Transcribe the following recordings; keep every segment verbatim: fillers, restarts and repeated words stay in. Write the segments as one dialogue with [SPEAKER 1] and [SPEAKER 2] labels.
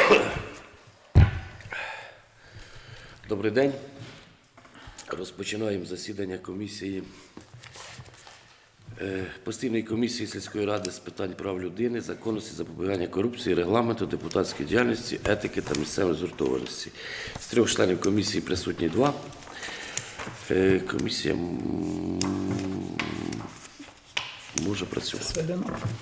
[SPEAKER 1] Добрий день. Розпочинаємо засідання комісії, постійної комісії сільської ради з питань прав людини, законності, запобігання корупції, регламенту, депутатської діяльності, етики та місцевої згуртованості. З трьох членів комісії присутні два. Комісія може працювати.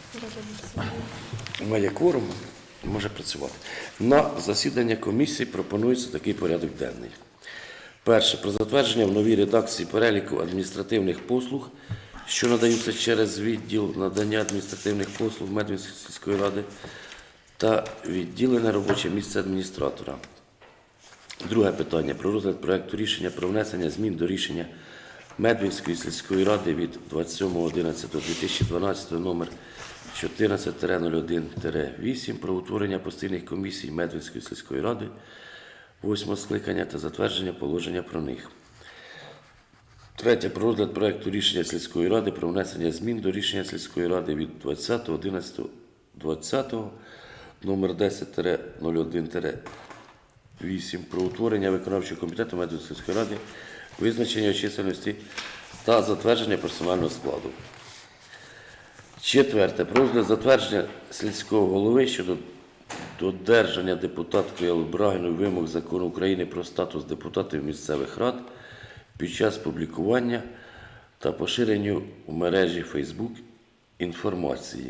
[SPEAKER 1] Має кворум, може працювати. На засідання комісії пропонується такий порядок денний. Перше. Про затвердження в новій редакції переліку адміністративних послуг, що надаються через відділ надання адміністративних послуг Медвинської сільської ради та відділене робоче місце адміністратора. Друге питання. Про розгляд проекту рішення про внесення змін до рішення Медвинської сільської ради від двадцять сьомого одинадцятого дві тисячі дванадцятого номер чотирнадцять нуль один вісім про утворення постійних комісій Медвинської сільської ради восьмого скликання та затвердження положення про них. Третє. Про розгляд проекту рішення сільської ради про внесення змін до рішення сільської ради від двадцятого одинадцятого двадцятого номер десять нуль один вісім про утворення виконавчого комітету Медвинської сільської ради, визначення чисельності та затвердження персонального складу. Четверте. Про розгляд затвердження сільського голови щодо додержання депутаткою Алли Брагіної вимог Закону України про статус депутатів місцевих рад під час публікування та поширенню в мережі Facebook інформації.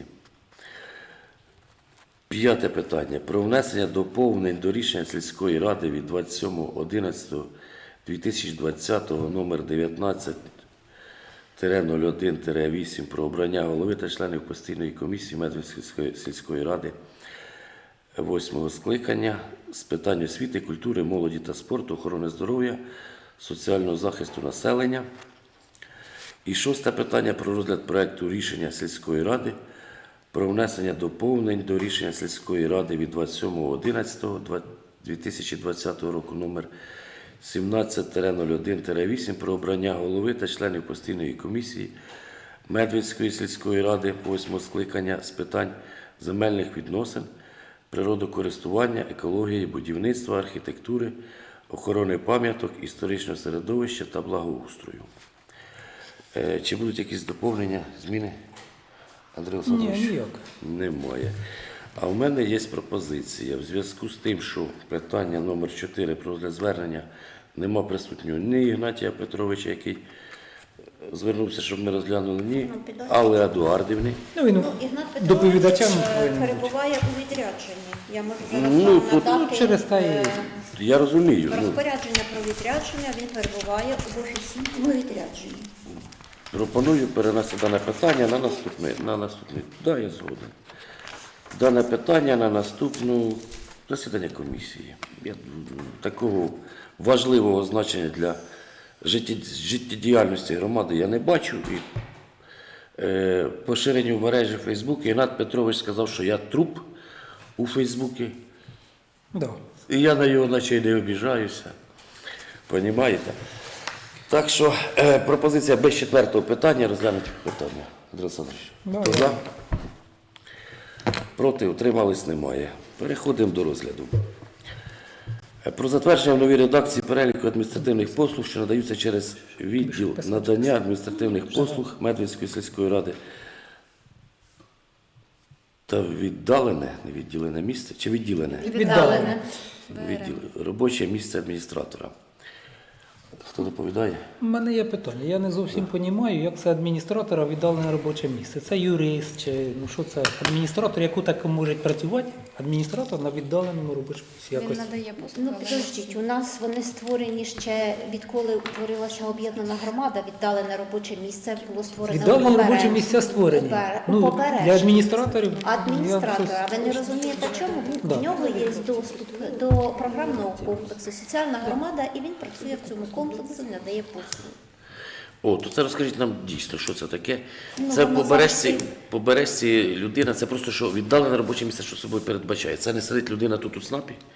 [SPEAKER 1] П'яте питання. Про внесення доповнень до рішення сільської ради від двадцять сьомого одинадцятого дві тисячі двадцятого номер дев'ятнадцять нуль один вісім про обрання голови та членів постійної комісії Медвинської сільської ради восьмого скликання з питань освіти, культури, молоді та спорту, охорони здоров'я, соціального захисту населення. І шосте питання. Про розгляд проекту рішення сільської ради про внесення доповнень до рішення сільської ради від двадцять сьомого одинадцятого дві тисячі двадцятого року номер сімнадцять нуль один вісім про обрання голови та членів постійної комісії Медвинської сільської ради восьмого скликання з питань земельних відносин, природокористування, екології, будівництва, архітектури, охорони пам'яток, історичного середовища та благоустрою. Чи будуть якісь доповнення, зміни? Андрій Олександрович?
[SPEAKER 2] Ні, ніяк.
[SPEAKER 1] Немає. А в мене є пропозиція. В зв'язку з тим, що питання номер чотири про розгляд звернення нема присутнього ні Ігнатія Петровича, який звернувся, щоб ми розглянули, ні Алли Едуардівни.
[SPEAKER 2] Ну, він
[SPEAKER 3] Ну, Ігнат Петрович
[SPEAKER 2] доповідачем
[SPEAKER 3] е,
[SPEAKER 2] повинен бути.
[SPEAKER 3] перебуває у відрядженні. Я можу зараз
[SPEAKER 1] Ну,
[SPEAKER 3] вам
[SPEAKER 1] тут-
[SPEAKER 3] надати
[SPEAKER 2] ну, через те
[SPEAKER 3] е,
[SPEAKER 2] і-
[SPEAKER 1] Я розумію. Ну,
[SPEAKER 3] розпорядження про відрядження, він перебуває в офіційному відрядженні.
[SPEAKER 1] пропоную перенести дане питання на наступне. На наступне. Да, я згоден. Дане питання на наступну засідання комісії. Я, такого важливого значення для життєдіяльності громади я не бачу. І, е, поширенню в мережі Фейсбук Ігнат Петрович сказав, що я труп у Фейсбуці.
[SPEAKER 2] Да.
[SPEAKER 1] І я на його наче й не обіжаюся. Понімаєте? Так що е, пропозиція без четвертого питання розглянути питання. Андрій Олександрович,
[SPEAKER 2] Да,
[SPEAKER 1] хто
[SPEAKER 2] да.
[SPEAKER 1] за? Проти, утримались, немає. Переходимо до розгляду. Е, Про затвердження в новій редакції переліку адміністративних послуг, що надаються через відділ надання адміністративних послуг Медвинської сільської ради та віддалене, не відділене місце, чи відділене?
[SPEAKER 3] Віддалене.
[SPEAKER 1] Відділ, робоче місце адміністратора. Хто доповідає?
[SPEAKER 2] У мене є питання. Я не зовсім розумію, як це адміністратора віддалене робоче місце. Це юрист, чи ну що це? Адміністратор, яку так може працювати? Адміністратор на віддаленому робочому місці.
[SPEAKER 4] Він
[SPEAKER 2] Якось.
[SPEAKER 4] надає послуги.
[SPEAKER 3] Ну, підождіть, у нас вони створені ще відколи утворилася об'єднана громада, віддалене робоче місце було створене
[SPEAKER 2] Віддалені
[SPEAKER 3] у
[SPEAKER 2] робочі місця створені.
[SPEAKER 3] Побере-
[SPEAKER 2] Ну,
[SPEAKER 3] у Побережжі.
[SPEAKER 2] для адміністраторів.
[SPEAKER 3] Адміністратора.
[SPEAKER 2] я
[SPEAKER 3] Ви не розумієте чому?
[SPEAKER 2] Да.
[SPEAKER 3] У нього є доступ до програмного комплексу «Соціальна громада» і він працює в цьому комплексі, надає послуги.
[SPEAKER 1] О, то це розкажіть нам дійсно, що це таке.
[SPEAKER 3] Ну,
[SPEAKER 1] Це
[SPEAKER 3] воно
[SPEAKER 1] по бережці,
[SPEAKER 3] завжди-
[SPEAKER 1] по бережці людина, це просто що віддалене робоче місце, що собою передбачає. Це не сидить людина тут у ЦНАПі?
[SPEAKER 3] Ну,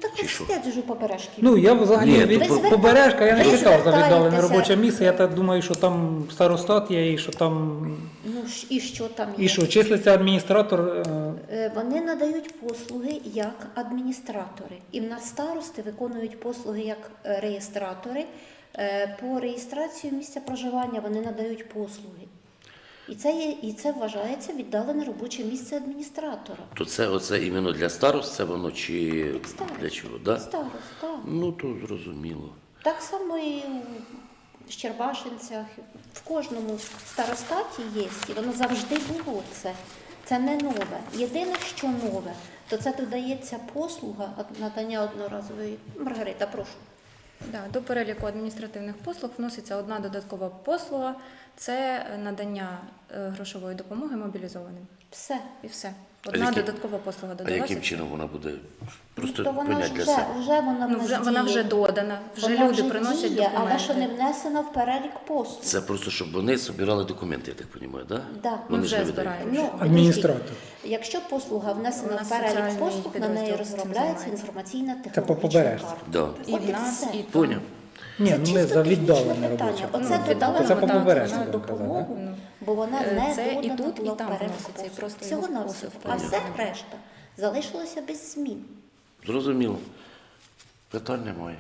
[SPEAKER 3] так
[SPEAKER 1] Чи
[SPEAKER 3] ось
[SPEAKER 1] що?
[SPEAKER 3] сидять вже побережки.
[SPEAKER 2] Ну, я взагалі
[SPEAKER 1] Ні,
[SPEAKER 2] від
[SPEAKER 1] тут-
[SPEAKER 3] Ви
[SPEAKER 2] побережка, я не
[SPEAKER 3] звертайтеся.
[SPEAKER 2] читав за віддалене
[SPEAKER 3] Ви
[SPEAKER 2] робоче місце. Я так думаю, що там старостат є і що там.
[SPEAKER 3] Ну ж, і що там є?
[SPEAKER 2] І що, числиться адміністратор. е,
[SPEAKER 3] Е, Вони надають послуги як адміністратори. І в нас старости виконують послуги як е, реєстратори. Е, По реєстрації місця проживання вони надають послуги. І це, є, і це вважається віддалене робоче місце адміністратора.
[SPEAKER 1] То це оце іменно для старост, це воно чи
[SPEAKER 3] Старост.
[SPEAKER 1] для чого? Да?
[SPEAKER 3] Старост, так.
[SPEAKER 1] Ну, то зрозуміло.
[SPEAKER 3] Так само і в Щербашинцях, в кожному старостаті є, і воно завжди було це. Це не нове. Єдине, що нове, то це додається послуга од- надання одноразової. Маргарита, прошу.
[SPEAKER 4] Да, до переліку адміністративних послуг вноситься одна додаткова послуга – це надання е, грошової допомоги мобілізованим.
[SPEAKER 3] Все.
[SPEAKER 4] І все. Одна
[SPEAKER 1] які-
[SPEAKER 4] додаткова послуга
[SPEAKER 1] А
[SPEAKER 4] додалася.
[SPEAKER 1] яким чином вона буде? Просто
[SPEAKER 3] то вона ж
[SPEAKER 1] понять для
[SPEAKER 3] вже,
[SPEAKER 1] себе.
[SPEAKER 3] вже вона в
[SPEAKER 4] Ну,
[SPEAKER 3] нас
[SPEAKER 4] вже, вона
[SPEAKER 3] діє.
[SPEAKER 4] вже додана, вже
[SPEAKER 3] Вона
[SPEAKER 4] люди приносять
[SPEAKER 3] діє,
[SPEAKER 4] документи.
[SPEAKER 3] але що не внесена в перелік послуг.
[SPEAKER 1] Це просто, щоб вони збирали документи, я так розумію, да?
[SPEAKER 3] Да.
[SPEAKER 1] Вони
[SPEAKER 4] Ми
[SPEAKER 1] ж
[SPEAKER 4] вже
[SPEAKER 1] не видають.
[SPEAKER 4] збираємо.
[SPEAKER 3] Ну,
[SPEAKER 2] Адміністратор.
[SPEAKER 3] подождіть. Якщо послуга внесена
[SPEAKER 4] У
[SPEAKER 3] в
[SPEAKER 4] нас
[SPEAKER 3] перелік
[SPEAKER 4] соціальний
[SPEAKER 3] послуг, на неї
[SPEAKER 4] підрозділ цим
[SPEAKER 3] розробляється
[SPEAKER 4] займається.
[SPEAKER 3] інформаційна
[SPEAKER 2] по
[SPEAKER 3] технологічна
[SPEAKER 2] побережці.
[SPEAKER 3] карта.
[SPEAKER 1] Да.
[SPEAKER 4] І
[SPEAKER 3] От
[SPEAKER 4] в нас,
[SPEAKER 3] все.
[SPEAKER 4] і там.
[SPEAKER 1] Поняв.
[SPEAKER 2] Ні,
[SPEAKER 3] Це
[SPEAKER 2] ну ми
[SPEAKER 3] чисто
[SPEAKER 2] за
[SPEAKER 3] технічне
[SPEAKER 2] віддалене
[SPEAKER 3] питання.
[SPEAKER 2] робоче.
[SPEAKER 3] Оце
[SPEAKER 4] Ну,
[SPEAKER 3] віддалено,
[SPEAKER 2] Це по
[SPEAKER 4] так,
[SPEAKER 2] побережці,
[SPEAKER 4] вона
[SPEAKER 2] будемо казати,
[SPEAKER 3] допомогу,
[SPEAKER 4] да?
[SPEAKER 3] бо вона
[SPEAKER 4] Е,
[SPEAKER 3] не
[SPEAKER 4] це і
[SPEAKER 3] додана
[SPEAKER 4] тут, і
[SPEAKER 3] була в
[SPEAKER 4] там
[SPEAKER 3] перелік
[SPEAKER 4] вноситься, і
[SPEAKER 3] послуг.
[SPEAKER 4] просто
[SPEAKER 3] Всього
[SPEAKER 4] його
[SPEAKER 3] на
[SPEAKER 4] просто
[SPEAKER 3] все.
[SPEAKER 4] в
[SPEAKER 3] А
[SPEAKER 4] перелік
[SPEAKER 3] все
[SPEAKER 4] не буде.
[SPEAKER 3] решта залишилося без змін.
[SPEAKER 1] Зрозуміло. Питань немає.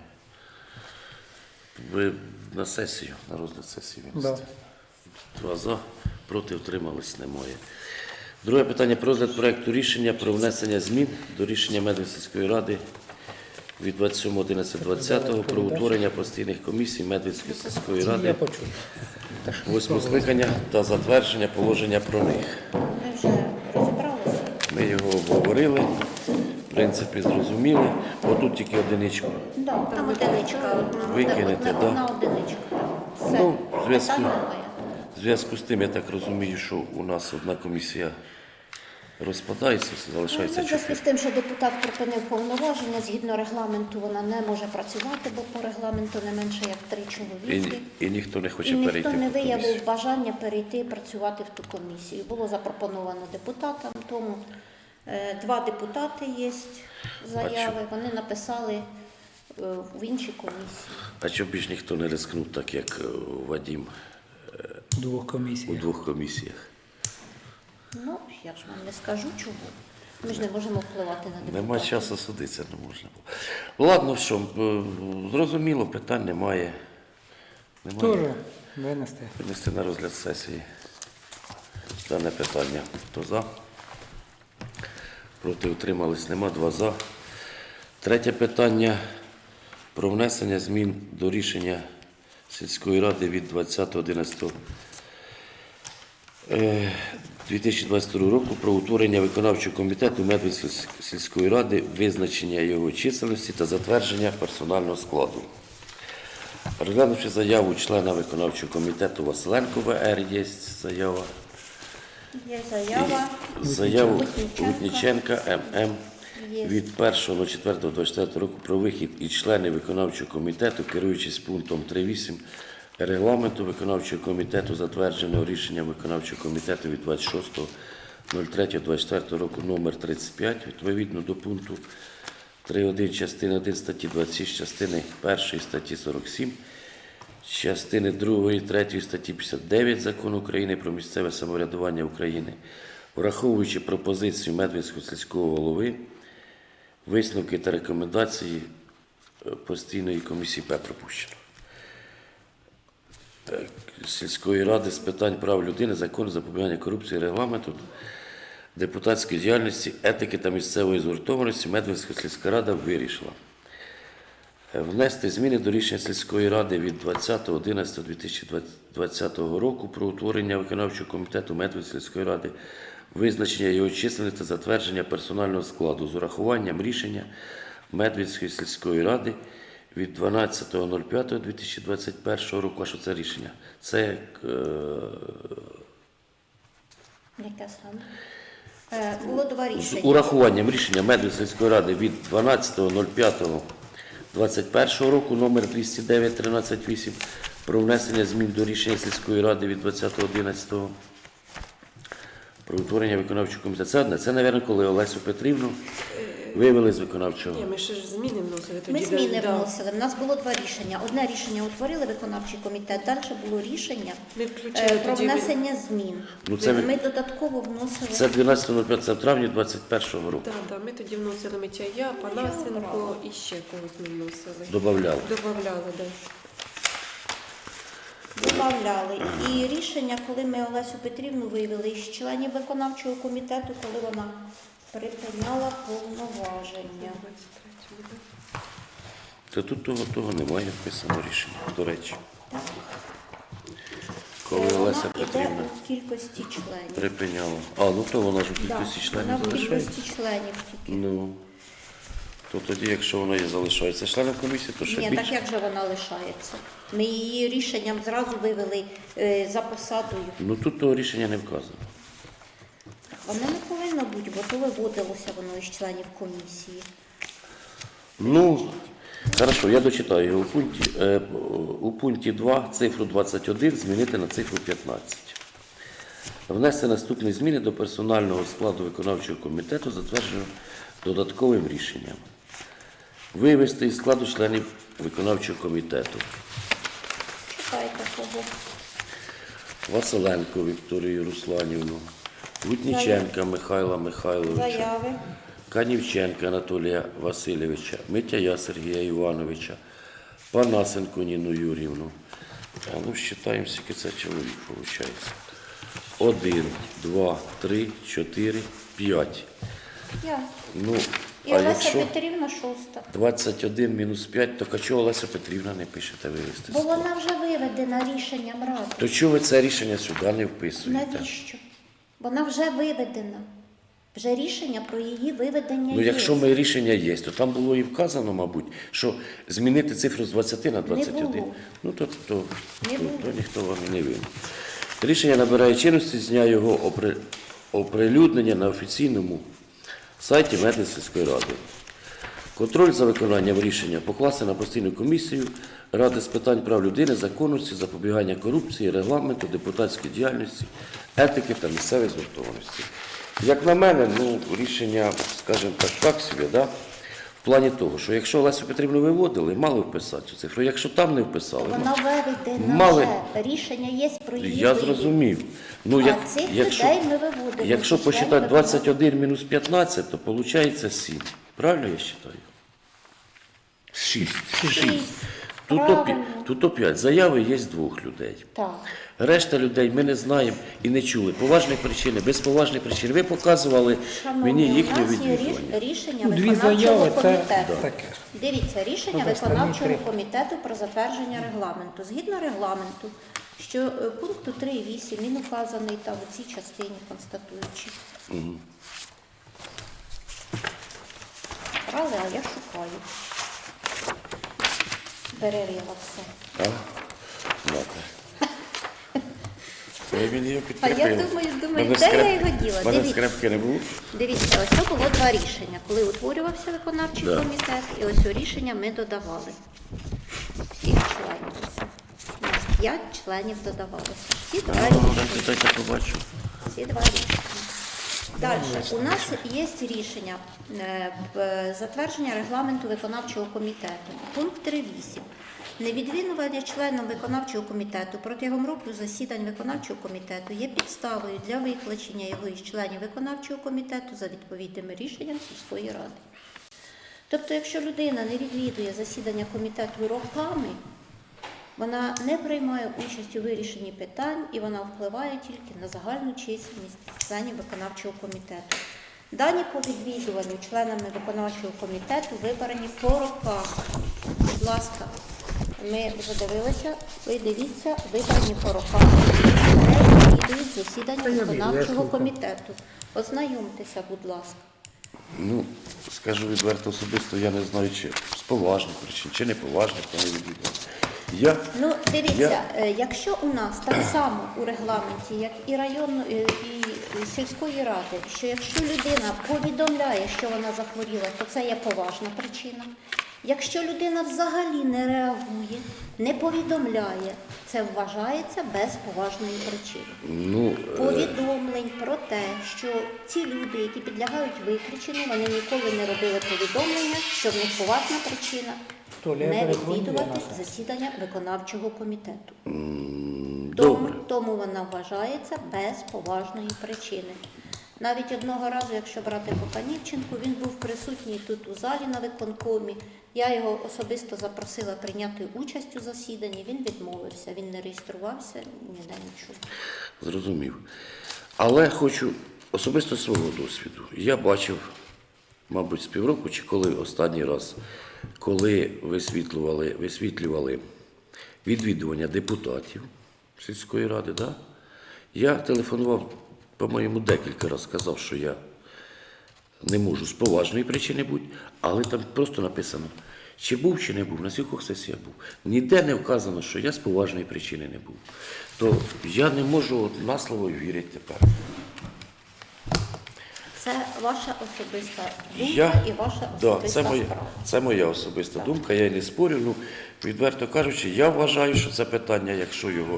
[SPEAKER 1] Ви на сесію, на розгляд сесії
[SPEAKER 2] Да.
[SPEAKER 1] винести. Два за, проти утримались немає. Друге питання про розгляд проекту рішення про внесення змін до рішення Медведської ради від двадцять сьомого одинадцятого двадцятого про утворення постійних комісій Медведської сільської
[SPEAKER 2] Я
[SPEAKER 1] ради
[SPEAKER 2] почув.
[SPEAKER 1] восьмого скликання та затвердження положення про них.
[SPEAKER 3] Ми вже розібралися.
[SPEAKER 1] Ми його обговорили, в принципі, зрозуміли. Отут тільки одиничку.
[SPEAKER 3] Да, там одиничка. одна-
[SPEAKER 1] Викинете,
[SPEAKER 3] одна,
[SPEAKER 1] да?
[SPEAKER 3] одна одиничка. Все.
[SPEAKER 1] Ну, в зв'язку,
[SPEAKER 3] Питань немає.
[SPEAKER 1] в зв'язку з тим, я так розумію, що у нас одна комісія розпадається, залишається
[SPEAKER 3] Ну, в зв'язку
[SPEAKER 1] чотири.
[SPEAKER 3] з тим, що депутат припинив повноваження, згідно регламенту вона не може працювати, бо по регламенту не менше як три
[SPEAKER 1] І,
[SPEAKER 3] чоловіки.
[SPEAKER 1] і ніхто не
[SPEAKER 3] І
[SPEAKER 1] хоче
[SPEAKER 3] ніхто
[SPEAKER 1] перейти
[SPEAKER 3] не
[SPEAKER 1] в ту комісію.
[SPEAKER 3] виявив бажання перейти працювати в ту комісію. Було запропоновано депутатам, тому е, два депутати є заяви, вони написали е, в іншій комісії.
[SPEAKER 1] А чому більш ніхто не рискнув, так як е, Вадим
[SPEAKER 2] Двох
[SPEAKER 1] у
[SPEAKER 2] комісій.
[SPEAKER 1] двох комісіях?
[SPEAKER 3] Ну, я ж вам не скажу чого. Ми ж не можемо впливати на депутатів.
[SPEAKER 1] Нема часу судитися, не можна було. Ладно, що, е, зрозуміло, питань немає. Немає.
[SPEAKER 2] Теж винести.
[SPEAKER 1] Винести на розгляд сесії дане питання. Хто за? Проти утримались нема. Два за. Третє питання про внесення змін до рішення сільської ради від двадцятого одинадцятого дві тисячі двадцять другого року про утворення виконавчого комітету Медведської сільської ради, визначення його чисельності та затвердження персонального складу. Розглянувши заяву члена виконавчого комітету Василенко В Р, є заява.
[SPEAKER 3] Є заява.
[SPEAKER 1] Заяву
[SPEAKER 3] Лутніченка.
[SPEAKER 1] Лутніченка М М
[SPEAKER 3] Є.
[SPEAKER 1] від першого четвертого двадцять четвертого року про вихід і члени виконавчого комітету, керуючись пунктом три точка вісім регламенту виконавчого комітету, затвердженого рішенням виконавчого комітету від двадцять шостого третього двадцять четвертого року номер тридцять п'ять, відповідно до пункту три точка один частини один статті двадцять шість, частини першої статті сорок сім, частини другої, третьої статті п'ятдесят дев'ять Закону України про місцеве самоврядування України, враховуючи пропозицію Медведського сільського голови, висновки та рекомендації е, постійної комісії П пропущено. Так, сільської ради з питань прав людини, закону, запобігання корупції, регламенту, депутатської діяльності, етики та місцевої згуртованості Медведська сільська рада вирішила е, внести зміни до рішення сільської ради від двадцятого одинадцятого дві тисячі двадцятого року про утворення виконавчого комітету Медведської сільської ради, визначення його чисельності та затвердження персонального складу з урахуванням рішення Медведської сільської ради від дванадцятого п'ятого дві тисячі двадцять першого року. А що це рішення? Це е,
[SPEAKER 3] Яке саме? Е, Було два
[SPEAKER 1] з
[SPEAKER 3] рішення.
[SPEAKER 1] урахуванням рішення Медведської сільської ради від дванадцятого п'ятого двадцять першого року номер двісті дев'ять тринадцять вісім про внесення змін до рішення сільської ради від двадцятого одинадцятого про утворення виконавчого комітету. Це одне. Це, мабуть, коли Олесю Петрівну Вивели з виконавчого.
[SPEAKER 5] Ні, ми ще ж зміни вносили тоді.
[SPEAKER 3] Ми зміни
[SPEAKER 5] да.
[SPEAKER 3] вносили. У нас було два рішення. Одне рішення утворили виконавчий комітет, далі було рішення
[SPEAKER 5] Ми
[SPEAKER 3] е,
[SPEAKER 5] включили
[SPEAKER 3] про
[SPEAKER 5] тоді.
[SPEAKER 3] внесення змін.
[SPEAKER 1] Ну, це ви-
[SPEAKER 3] Ми додатково вносили.
[SPEAKER 1] Це дванадцятого п'ятого травня двадцять першого року.
[SPEAKER 5] Так, так, ми тоді вносили Митяя, Панасенко і ще когось ми вносили.
[SPEAKER 1] Добавляли.
[SPEAKER 5] Добавляли, так.
[SPEAKER 3] Добавляли. І рішення, коли ми Олесю Петрівну вивели із членів виконавчого комітету, коли вона припиняла повноваження.
[SPEAKER 1] То тут того, того немає вписано рішення, до речі. Коли
[SPEAKER 3] Е,
[SPEAKER 1] Олеся
[SPEAKER 3] вона йде
[SPEAKER 1] Петрівна
[SPEAKER 3] у кількості членів.
[SPEAKER 1] припиняла. А, ну то вона ж у
[SPEAKER 3] Да,
[SPEAKER 1] кількості
[SPEAKER 3] вона
[SPEAKER 1] членів
[SPEAKER 3] в
[SPEAKER 1] залишається.
[SPEAKER 3] кількості членів тільки.
[SPEAKER 1] Ну, то тоді, якщо вона і залишається членом комісії, то ще
[SPEAKER 3] Ні,
[SPEAKER 1] більше.
[SPEAKER 3] так як же вона лишається? Ми її рішенням зразу вивели е, за посадою.
[SPEAKER 1] Ну тут того рішення не вказано.
[SPEAKER 3] Воно не повинно бути, бо то виводилося воно із членів комісії.
[SPEAKER 1] Ну, хорошо, я дочитаю його у пункті. Е, у пункті два цифру двадцять один змінити на цифру п'ятнадцять. Внести наступні зміни до персонального складу виконавчого комітету, затвердженого додатковим рішенням. Вивести із складу членів виконавчого комітету
[SPEAKER 3] Читайте кого.
[SPEAKER 1] Василенко Вікторію Русланівну, Гутніченка Михайла Михайловича,
[SPEAKER 3] Заяви.
[SPEAKER 1] Канівченка Анатолія Васильовича, Митяя Сергія Івановича, Панасенко Ніну Юрівну. А ну, считаємо, скільки це чоловік виходить. Один, два, три, чотири, п'ять.
[SPEAKER 3] Я.
[SPEAKER 1] Ну,
[SPEAKER 3] І
[SPEAKER 1] а
[SPEAKER 3] Олеся
[SPEAKER 1] якщо
[SPEAKER 3] Петрівна шоста.
[SPEAKER 1] двадцять один мінус п'ять, то чого Олеся Петрівна не пишете вивести? з
[SPEAKER 3] Бо
[SPEAKER 1] складу?
[SPEAKER 3] вона вже виведена рішенням ради.
[SPEAKER 1] То чого ви це рішення сюди не вписуєте?
[SPEAKER 3] Навіщо? Вона вже виведена. Вже рішення про її виведення
[SPEAKER 1] Ну,
[SPEAKER 3] є.
[SPEAKER 1] якщо ми рішення є, то там було і вказано, мабуть, що змінити цифру з двадцяти на двадцять один.
[SPEAKER 3] було.
[SPEAKER 1] Ну, то, то,
[SPEAKER 3] Не
[SPEAKER 1] то,
[SPEAKER 3] було.
[SPEAKER 1] то ніхто вам і не винен. Рішення набирає чинності з дня його опри... оприлюднення на офіційному сайті Медицинської ради. Контроль за виконанням рішення покласти на постійну комісію Ради з питань прав людини, законності, запобігання корупції, регламенту, депутатської діяльності, етики та місцевої згуртованості. Як на мене, ну, рішення, скажімо так, так собі, да? В плані того, що якщо Олесю Петрівну виводили, мали вписати цю цифру. Якщо там не вписали, ну,
[SPEAKER 3] Вона виведена
[SPEAKER 1] Мали.
[SPEAKER 3] вже. Рішення є про її
[SPEAKER 1] я
[SPEAKER 3] вивід.
[SPEAKER 1] зрозумів. Ну,
[SPEAKER 3] А
[SPEAKER 1] як,
[SPEAKER 3] цих
[SPEAKER 1] якщо,
[SPEAKER 3] людей ми виводимо.
[SPEAKER 1] якщо
[SPEAKER 3] Члени
[SPEAKER 1] посчитати
[SPEAKER 3] виконавчого-
[SPEAKER 1] двадцять один мінус п'ятнадцять, то виходить сім. Правильно я вважаю? шість. шість. Тут, опі...
[SPEAKER 3] Правильно.
[SPEAKER 1] Тут опять заяви є з двох людей.
[SPEAKER 3] Так.
[SPEAKER 1] Решта людей ми не знаємо і не чули. Поважні причини, без поважних причин. Ви показували
[SPEAKER 3] Шановні,
[SPEAKER 1] мені
[SPEAKER 3] у
[SPEAKER 1] їхнє
[SPEAKER 3] нас є
[SPEAKER 1] відвідування.
[SPEAKER 3] ріш- рішення
[SPEAKER 2] Ну, дві
[SPEAKER 3] виконавчого
[SPEAKER 2] заяви це
[SPEAKER 3] комітету.
[SPEAKER 2] таке.
[SPEAKER 3] Дивіться, рішення
[SPEAKER 2] Ну, останні
[SPEAKER 3] виконавчого
[SPEAKER 2] три.
[SPEAKER 3] комітету про затвердження регламенту. Згідно регламенту, що е, пункту три і вісім він указаний там у цій частині констатуючи. Брали, а я шукаю. Перерила все.
[SPEAKER 1] А? Ладно. Я він його
[SPEAKER 3] А я
[SPEAKER 1] підкріпив.
[SPEAKER 3] думаю, думаю,
[SPEAKER 1] Мене
[SPEAKER 3] де
[SPEAKER 1] скреп-
[SPEAKER 3] я його діла?
[SPEAKER 1] Мене
[SPEAKER 3] Дивіться.
[SPEAKER 1] скрепки не було.
[SPEAKER 3] Дивіться, ось це було два рішення. Коли утворювався виконавчий
[SPEAKER 1] Да.
[SPEAKER 3] комітет, і ось у рішення ми додавали всіх членів. У нас п'ять членів додавалося. Всі два
[SPEAKER 1] А, ну,
[SPEAKER 3] рішення.
[SPEAKER 1] дайте побачу.
[SPEAKER 3] Всі два рішення. Далі. У нас є рішення е, в- затвердження регламенту виконавчого комітету. Пункт три вісім. Невідвідування членом виконавчого комітету протягом року засідань виконавчого комітету є підставою для виключення його із членів виконавчого комітету за відповідним рішенням сільської ради. Тобто, якщо людина не відвідує засідання комітету роками, вона не приймає участь у вирішенні питань і вона впливає тільки на загальну чисельність членів виконавчого комітету. Дані по відвідуванню членами виконавчого комітету вибрані по роках. Будь ласка, ми вже дивилися, ви дивіться, вибрані по роках. Не відвідують засідання
[SPEAKER 2] Та я вірю, я
[SPEAKER 3] виконавчого
[SPEAKER 2] слухаю.
[SPEAKER 3] комітету. Ознайомтеся, будь ласка.
[SPEAKER 1] Ну, скажу відверто особисто, я не знаю, чи з поважних причин, чи не поважних, то не відвідував. Я,
[SPEAKER 3] Ну, дивіться,
[SPEAKER 1] Я-
[SPEAKER 3] е, якщо у нас так само у регламенті, як і районної, і сільської ради, що якщо людина повідомляє, що вона захворіла, то це є поважна причина. Якщо людина взагалі не реагує, не повідомляє, це вважається без поважної причини.
[SPEAKER 1] Ну, е,
[SPEAKER 3] Повідомлень про те, що ці люди, які підлягають виключенню, вони ніколи не робили повідомлення, що в них поважна причина
[SPEAKER 2] Толя, я
[SPEAKER 3] не
[SPEAKER 2] перезвоню,
[SPEAKER 3] відвідувати
[SPEAKER 2] я на це.
[SPEAKER 3] засідання виконавчого комітету.
[SPEAKER 1] м,
[SPEAKER 3] Тому,
[SPEAKER 1] добре.
[SPEAKER 3] тому вона вважається без поважної причини. Навіть одного разу, якщо брати Копанівченку, він був присутній тут у залі на виконкомі. Я його особисто запросила прийняти участь у засіданні. Він відмовився, він не реєструвався, ніде нічого.
[SPEAKER 1] Зрозумів. Але хочу особисто свого досвіду. Я бачив, мабуть, з півроку, чи коли останній раз, коли висвітлювали, висвітлювали відвідування депутатів сільської ради, да? Я телефонував, по-моєму, декілька разів, сказав, що я не можу з поважної причини бути, але там просто написано, чи був, чи не був, на скількох сесіях був. Ніде не вказано, що я з поважної причини не був. То я не можу от на слово вірити тепер.
[SPEAKER 3] Це ваша особиста думка
[SPEAKER 1] Я,
[SPEAKER 3] і ваша
[SPEAKER 1] да,
[SPEAKER 3] особиста
[SPEAKER 1] це, моя,
[SPEAKER 3] справа.
[SPEAKER 1] це моя особиста
[SPEAKER 3] Так.
[SPEAKER 1] думка, я й не спорю. Ну, відверто кажучи, я вважаю, що це питання, якщо його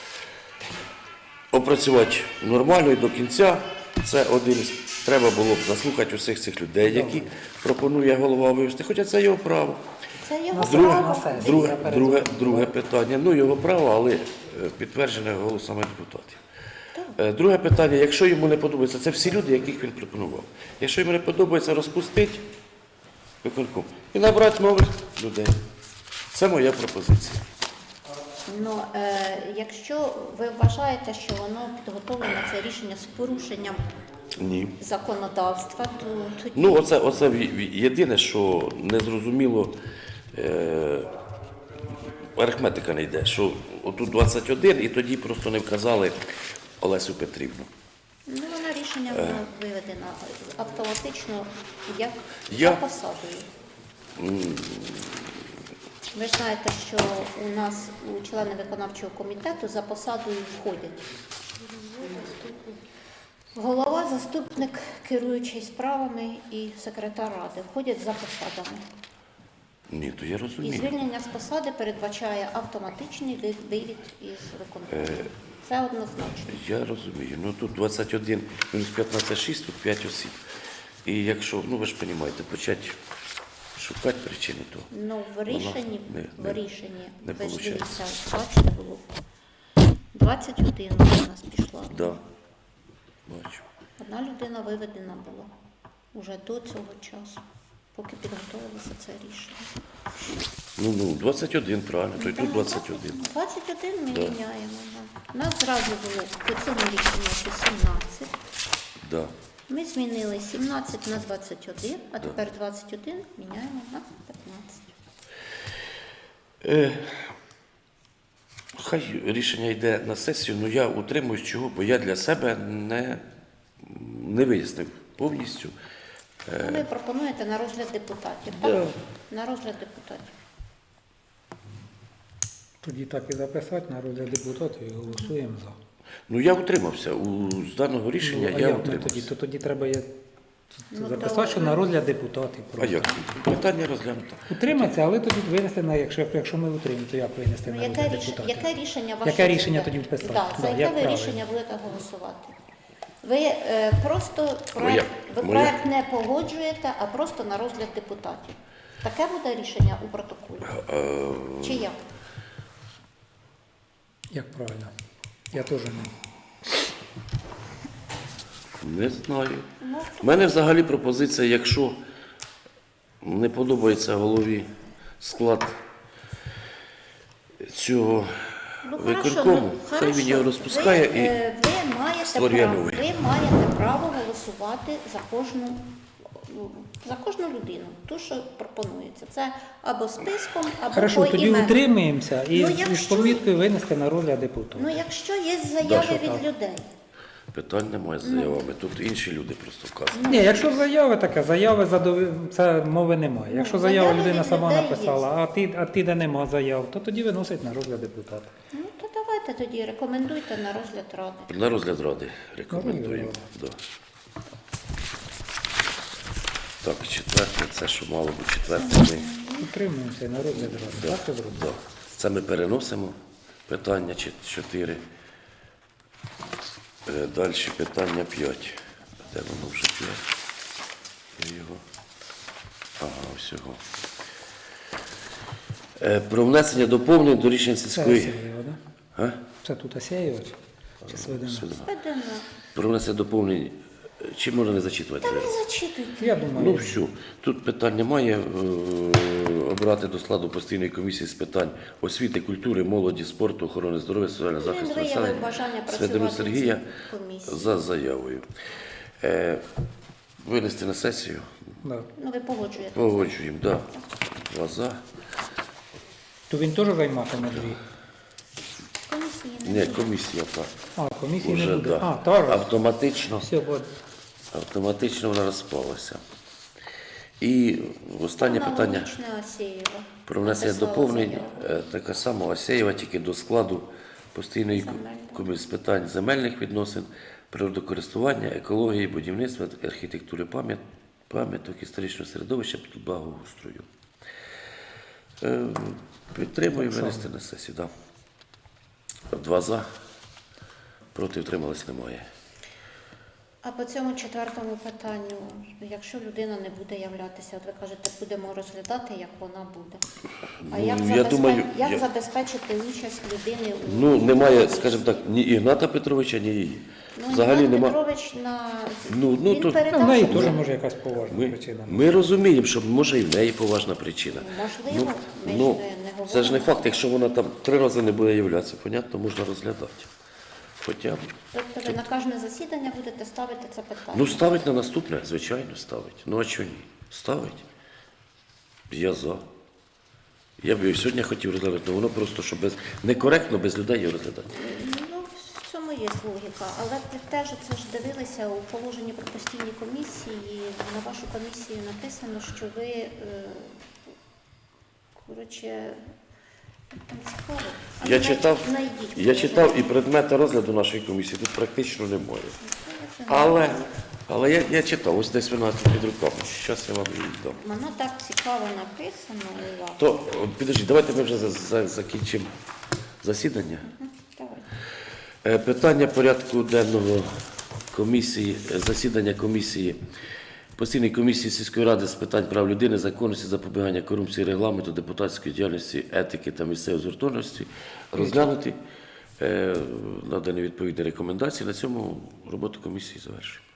[SPEAKER 1] опрацювати нормально і до кінця, це один із... Треба було б заслухати усіх цих людей, які пропонує голова вивести. Хоча це його право.
[SPEAKER 3] Це його
[SPEAKER 2] Друге-
[SPEAKER 3] право.
[SPEAKER 2] на сесії.
[SPEAKER 1] Друге,
[SPEAKER 2] Я
[SPEAKER 1] друге,
[SPEAKER 2] передзвоню.
[SPEAKER 1] друге питання. Ну, його право, але е, підтверджене голосами депутатів. Е, Друге питання, якщо йому не подобається, це всі люди, яких він пропонував. Якщо йому не подобається, розпустити виконком і набрати нових людей. Це моя пропозиція.
[SPEAKER 3] Ну, е, якщо ви вважаєте, що воно підготовлено, це рішення з порушенням
[SPEAKER 1] Ні.
[SPEAKER 3] законодавства, то тоді
[SPEAKER 1] Ну, оце, оце ві- ві- єдине, що незрозуміло, е, арифметика не йде, що отут двадцять один і тоді просто не вказали Олесю Петрівну.
[SPEAKER 3] ну, вона рішення воно виведено автоматично як
[SPEAKER 1] Я-
[SPEAKER 3] за посадою. Ви ж знаєте, що у нас у члени виконавчого комітету за посадою входять голова, заступник, керуючий справами і секретар ради входять за посадами.
[SPEAKER 1] Ні, то я
[SPEAKER 3] І
[SPEAKER 1] розумію.
[SPEAKER 3] звільнення з посади передбачає автоматичний ви- вивід із виконкому. Це однозначно.
[SPEAKER 1] Я розумію. Ну тут двадцять один мінус п'ятнадцять шість, тут п'ять осіб. І якщо, ну ви ж розумієте, почати шукати причини, то
[SPEAKER 3] Ну, в рішенні,
[SPEAKER 1] не-
[SPEAKER 3] в
[SPEAKER 1] не-
[SPEAKER 3] рішенні,
[SPEAKER 1] не
[SPEAKER 3] ви ж
[SPEAKER 1] получається.
[SPEAKER 3] дивіться, бачите, було двадцять один у нас пішла.
[SPEAKER 1] да, бачу.
[SPEAKER 3] Одна людина виведена була уже до цього часу, поки підготовилося це рішення.
[SPEAKER 1] Ну, ну, двадцять один, правильно, то й тут двадцять один.
[SPEAKER 3] двадцять один ми
[SPEAKER 1] Да.
[SPEAKER 3] міняємо. Да. У нас зразу було по цьому рішенню що сімнадцять.
[SPEAKER 1] Да.
[SPEAKER 3] Ми змінили сімнадцять на двадцять один, а тепер двадцять один міняємо на п'ятнадцять.
[SPEAKER 1] Е, хай рішення йде на сесію, але я утримуюсь чого, бо я для себе не, не вияснив повністю.
[SPEAKER 3] Ну, ви пропонуєте на розгляд депутатів,
[SPEAKER 2] Да.
[SPEAKER 3] так? На розгляд депутатів.
[SPEAKER 2] Тоді так і записати на розгляд депутатів і голосуємо за.
[SPEAKER 1] Ну, я утримався. У, з даного рішення
[SPEAKER 2] Ну, а
[SPEAKER 1] я
[SPEAKER 2] як ми
[SPEAKER 1] утримався.
[SPEAKER 2] тоді? То тоді треба є
[SPEAKER 3] Ну,
[SPEAKER 2] записати,
[SPEAKER 3] то-
[SPEAKER 2] що на розгляд депутатів.
[SPEAKER 1] А
[SPEAKER 2] просто.
[SPEAKER 1] як? Питання розглянуто.
[SPEAKER 2] Утриматися, але тоді винести на, якщо, якщо ми утримаємо, то як винести
[SPEAKER 3] Ну,
[SPEAKER 2] на
[SPEAKER 3] яке,
[SPEAKER 2] розгляд
[SPEAKER 3] ріш...
[SPEAKER 2] депутатів?
[SPEAKER 3] яке рішення ваше?
[SPEAKER 2] Яке рішення
[SPEAKER 3] буде?
[SPEAKER 2] тоді вписати?
[SPEAKER 3] Да,
[SPEAKER 2] Да,
[SPEAKER 3] за яке
[SPEAKER 2] як
[SPEAKER 3] ви
[SPEAKER 2] правильно?
[SPEAKER 3] рішення будете голосувати? Ви е, просто проект, ви
[SPEAKER 1] моя-
[SPEAKER 3] проект не погоджуєте, а просто на розгляд депутатів. Таке буде рішення у протоколі?
[SPEAKER 1] Е,
[SPEAKER 3] Чи як?
[SPEAKER 2] Як правильно? Я теж не.
[SPEAKER 1] Не знаю.
[SPEAKER 3] Ну,
[SPEAKER 1] У мене взагалі пропозиція, якщо не подобається голові склад цього
[SPEAKER 3] Ну, хорошо,
[SPEAKER 1] виконкому,
[SPEAKER 3] ну,
[SPEAKER 1] хай
[SPEAKER 3] хорошо.
[SPEAKER 1] він його розпускає
[SPEAKER 3] ви,
[SPEAKER 1] і
[SPEAKER 3] е, ви маєте
[SPEAKER 1] створює
[SPEAKER 3] право,
[SPEAKER 1] новий.
[SPEAKER 3] ви маєте право голосувати за кожну, ну, за кожну людину, ту, що пропонується. Це або списком, або
[SPEAKER 2] Хорошо,
[SPEAKER 3] по
[SPEAKER 2] тоді
[SPEAKER 3] імену.
[SPEAKER 2] утримаємося і
[SPEAKER 3] Ну,
[SPEAKER 2] з- із
[SPEAKER 3] якщо-
[SPEAKER 2] поміткою винести на розгляд депутатів.
[SPEAKER 3] Ну, якщо є
[SPEAKER 2] Да,
[SPEAKER 3] заяви
[SPEAKER 2] що
[SPEAKER 3] від
[SPEAKER 2] так.
[SPEAKER 3] людей.
[SPEAKER 1] питань немає з заявами. Тут інші люди просто вказують.
[SPEAKER 2] Ні, якщо заяви таке, заяви задов... це мови немає. Якщо
[SPEAKER 3] Ну,
[SPEAKER 2] заява
[SPEAKER 3] заяви
[SPEAKER 2] людина
[SPEAKER 3] від
[SPEAKER 2] сама
[SPEAKER 3] людей
[SPEAKER 2] написала,
[SPEAKER 3] є.
[SPEAKER 2] а ти, а ти де нема заяв, то тоді виносить на розгляд депутата.
[SPEAKER 3] Ну, то давайте тоді рекомендуйте на розгляд ради.
[SPEAKER 1] На розгляд ради рекомендуємо. Да. Так, четверте, це що мало бути четверте. Ми
[SPEAKER 2] Підтримуємося на розгляд ради. Так, я зроблю?
[SPEAKER 1] Да. Це ми переносимо питання чи- чотири. Е, Далі питання п'ять. Де воно вже п'ять? Я його. Ага, всього. Е, Про внесення доповнень до рішень
[SPEAKER 2] Це
[SPEAKER 1] сільської.
[SPEAKER 2] Асєєва, да?
[SPEAKER 1] А?
[SPEAKER 2] Це тут Асєєва чи- чи Свидина?
[SPEAKER 1] Сюди.
[SPEAKER 3] Ведено.
[SPEAKER 1] Про внесення доповнень. Чи можна не зачитувати?
[SPEAKER 3] Та ви зачитуйте.
[SPEAKER 2] Я думаю,
[SPEAKER 1] Ну все, тут питань немає. Е, Обрати до складу постійної комісії з питань освіти, культури, молоді, спорту, охорони здоров'я, соціального
[SPEAKER 3] Він
[SPEAKER 1] захисту
[SPEAKER 3] виявив
[SPEAKER 1] населення
[SPEAKER 3] бажання
[SPEAKER 1] Свидину
[SPEAKER 3] працювати в
[SPEAKER 1] Сергія
[SPEAKER 3] цій комісії.
[SPEAKER 1] за заявою. Е, Винести на сесію.
[SPEAKER 2] да.
[SPEAKER 3] Ну, ви погоджуєте.
[SPEAKER 1] Погоджуємо, так. Да. Два за.
[SPEAKER 2] То він теж займатиме дві?
[SPEAKER 3] Комісії не
[SPEAKER 1] Ні,
[SPEAKER 3] буде.
[SPEAKER 1] комісія так.
[SPEAKER 2] А, комісії
[SPEAKER 1] Уже,
[SPEAKER 2] не буде.
[SPEAKER 1] да.
[SPEAKER 2] А, так.
[SPEAKER 1] Автоматично,
[SPEAKER 2] Все, бо
[SPEAKER 1] автоматично вона розпалася. І останнє питання.
[SPEAKER 3] Аналогічне Асєєва.
[SPEAKER 1] Про внесення
[SPEAKER 3] Написала
[SPEAKER 1] доповнень
[SPEAKER 3] заяву.
[SPEAKER 1] е, така сама Осєєва, тільки до складу постійної
[SPEAKER 3] Земельних.
[SPEAKER 1] комісії з питань земельних відносин, природокористування, екології, будівництва, архітектури, пам'ят, пам'яток, історичного середовища, благоустрою. Е, Підтримую
[SPEAKER 2] Так само.
[SPEAKER 1] винести на сесію. Да. Два за. Проти втрималось немає.
[SPEAKER 3] А по цьому четвертому питанню, якщо людина не буде являтися, от ви кажете, будемо розглядати, як вона буде. А
[SPEAKER 1] Ну,
[SPEAKER 3] як,
[SPEAKER 1] я
[SPEAKER 3] забезпе-
[SPEAKER 1] думаю,
[SPEAKER 3] як
[SPEAKER 1] я-
[SPEAKER 3] забезпечити участь людини у
[SPEAKER 1] Ну, немає,
[SPEAKER 3] комісії?
[SPEAKER 1] скажімо так, ні Ігната Петровича, ні її.
[SPEAKER 3] Ну,
[SPEAKER 1] Взагалі
[SPEAKER 3] Ігнат
[SPEAKER 1] нема.
[SPEAKER 3] Петрович на
[SPEAKER 1] Ну, ну,
[SPEAKER 3] він
[SPEAKER 1] то-
[SPEAKER 3] передав,
[SPEAKER 2] ну, в неї
[SPEAKER 3] що
[SPEAKER 2] теж
[SPEAKER 3] це-
[SPEAKER 2] може якась поважна
[SPEAKER 1] Ми,
[SPEAKER 2] причина.
[SPEAKER 1] ми розуміємо, що може і в неї поважна причина.
[SPEAKER 3] Можливо, ми ж
[SPEAKER 1] ну,
[SPEAKER 3] не- не говоримо.
[SPEAKER 1] це ж не факт, якщо вона там три рази не буде являтися, понятно, можна розглядати. Хоча б.
[SPEAKER 3] Тобто ви на кожне засідання будете ставити це питання?
[SPEAKER 1] Ну, ставить на наступне, звичайно, ставить. Ну, а чого ні? Ставить. Я за. Я б його сьогодні хотів розглядати, але воно просто, що без... некоректно без людей його розглядати.
[SPEAKER 3] Ну, в цьому є логіка, але ви теж це ж дивилися у положенні про постійні комісії. На вашу комісію написано, що ви, е, коротше, там цікаво. А
[SPEAKER 1] Я
[SPEAKER 3] ви
[SPEAKER 1] читав,
[SPEAKER 3] знайдіть
[SPEAKER 1] я
[SPEAKER 3] положення.
[SPEAKER 1] читав і предмети розгляду нашої комісії тут практично немає. Але, але я, я читав, ось десь вона тут під руками. Зараз я вам її дам.
[SPEAKER 3] Воно так цікаво написано у вас.
[SPEAKER 1] То, о, підожди, давайте ми вже за, за, закінчимо засідання.
[SPEAKER 3] Мгм, давайте.
[SPEAKER 1] Е, Питання порядку денного комісії, е, засідання комісії, постійної комісії сільської ради з питань прав людини, законності, запобігання корупції, регламенту, депутатської діяльності, етики та місцевої згуртованості розглянути, е, надані відповідні рекомендації. На цьому роботу комісії завершуємо.